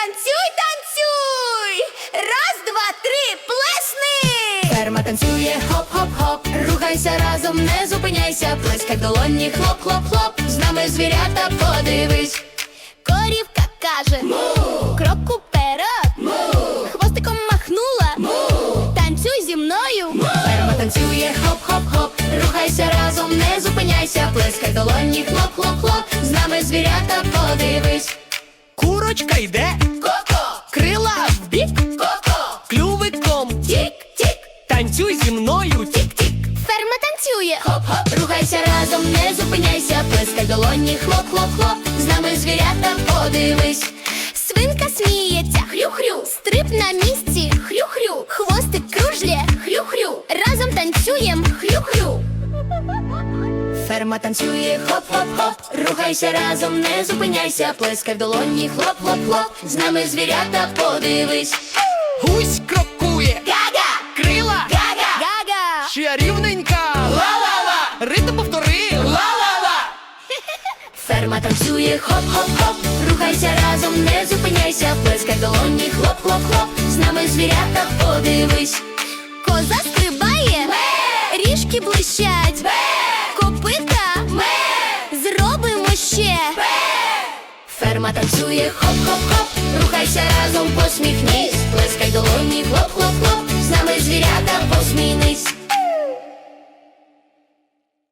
Танцюй, танцюй! Раз, два, три, плесни! Ферма танцює, хоп-хоп-хоп. Рухайся разом, не зупиняйся. Плескай в долоні, хлоп-хлоп-хлоп. З нами звірята, подивись. Корівка каже: му! Крок уперед! Му! Хвостиком махнула! Му! Танцюй зі мною! Му! Ферма танцює, хоп-хоп-хоп. Рухайся разом, не зупиняйся. Плескай в долоні, хлоп-хлоп-хлоп. З нами звірята, подивись. Курочка йде, Ко-ко! крила вбік, Ко-ко! клювиком, Тік-тік! танцюй зі мною, Тік-тік! Ферма танцює! Хоп-хоп, рухайся разом, не зупиняйся. Плескай в долоні, хлоп-хлоп-хлоп. З нами звірята, подивись. Свинка сміється! Хрю-хрю! Стрип на місці! Хрю-хрю! Хвостик кружлє! Хрю-хрю! Разом танцюєм! Хрю-хрю! Ферма танцює, хоп-хоп-хоп. Рухайся разом, не зупиняйся. Плескай в долоні, хлоп-хлоп-хлоп. З нами звірята, подивись. гусь крокує, Гага! крила, Гага! Гага! ще рівненька, ла-ла-ла, ритм повтори, ла-ла-ла. Ферма танцює, хоп-хоп-хоп. Рухайся разом, не зупиняйся. Плескай в долоні, хлоп-хлоп-хлоп. З нами звірята, подивись. Коза стрибає! Ріжки блищать! Копита! Зробимо ще! Ферма танцює, хоп-хоп-хоп. Рухайся разом, посміхнись. Плескай в долоні, хлоп-хлоп-хлоп. З нами звірята, посмінись.